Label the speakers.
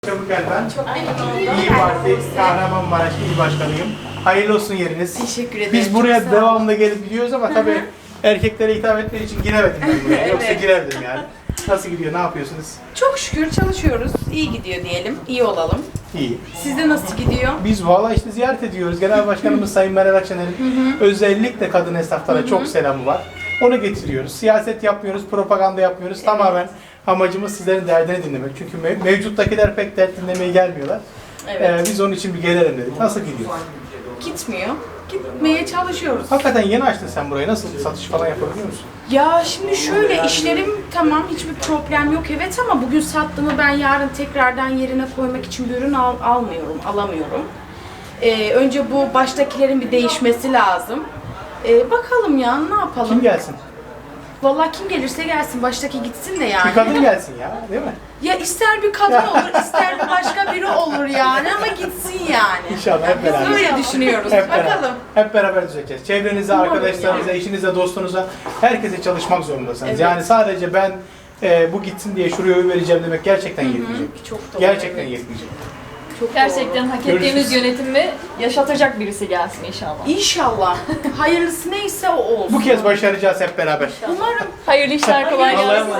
Speaker 1: Çabuk ben.
Speaker 2: Çok memnun oldum.
Speaker 1: İyi Parti Kahramanmaraş İl Başkanıyım. Hayırlı olsun yeriniz.
Speaker 2: Teşekkür ederim.
Speaker 1: Biz buraya
Speaker 2: Çok sağ olun.
Speaker 1: devamlı gelip gidiyoruz ama tabii erkeklere hitap etmek için giremedim ben buraya. Yoksa
Speaker 2: Evet.
Speaker 1: girerdim yani. Nasıl gidiyor, ne yapıyorsunuz?
Speaker 2: Çok şükür çalışıyoruz. İyi gidiyor diyelim. İyi olalım.
Speaker 1: İyi.
Speaker 2: Sizde nasıl gidiyor?
Speaker 1: Biz valla işte ziyaret ediyoruz. Genel Başkanımız Sayın Meral Akşener'in özellikle kadın esnaflara çok selamı var. Onu getiriyoruz. Siyaset yapmıyoruz, propaganda yapmıyoruz. Tamamen amacımız sizlerin derdini dinlemek. Çünkü mevcuttakiler pek dert dinlemeye gelmiyorlar.
Speaker 2: Evet.
Speaker 1: Biz onun için bir gelelim dedik. Nasıl gidiyor?
Speaker 2: Gitmiyor. Gitmeye çalışıyoruz.
Speaker 1: Hakikaten yeni açtın sen burayı. Nasıl satış falan yapabiliyor musun?
Speaker 2: Ya şimdi şöyle işlerim tamam hiçbir problem yok evet ama bugün sattığımı ben yarın tekrardan yerine koymak için bir ürün alamıyorum. Önce bu baştakilerin bir değişmesi lazım. Bakalım ya ne yapalım?
Speaker 1: Kim gelsin?
Speaker 2: Vallahi kim gelirse gelsin baştaki gitsin de yani.
Speaker 1: Bir kadın gelsin ya, değil mi?
Speaker 2: Ya ister bir kadın olur, ister bir başka biri olur yani ama gitsin yani.
Speaker 1: İnşallah hep beraber.
Speaker 2: Biz öyle düşünüyoruz.
Speaker 1: Hep beraber.
Speaker 2: Bakalım.
Speaker 1: Hep beraber düzelteceğiz. Çevrenize,
Speaker 2: Umarım
Speaker 1: arkadaşlarınıza,
Speaker 2: yani.
Speaker 1: eşinize, dostunuza, herkese çalışmak zorundasınız.
Speaker 2: Evet.
Speaker 1: Yani sadece ben bu gitsin diye şuraya oy vereceğim demek gerçekten yetmeyecek.
Speaker 2: Çok doğru.
Speaker 1: Gerçekten
Speaker 2: evet.
Speaker 1: yetmeyecek.
Speaker 2: Çok
Speaker 3: Gerçekten hak ettiğimiz
Speaker 1: Görüşürüz.
Speaker 3: yönetimi yaşatacak birisi gelsin inşallah.
Speaker 2: doğru. İnşallah. Hayırlısı neyse o olsun.
Speaker 1: Bu kez başaracağız hep beraber.
Speaker 2: Umarım.
Speaker 3: Hayırlı işler, kolay
Speaker 1: Allah'a
Speaker 3: gelsin.
Speaker 1: emanet.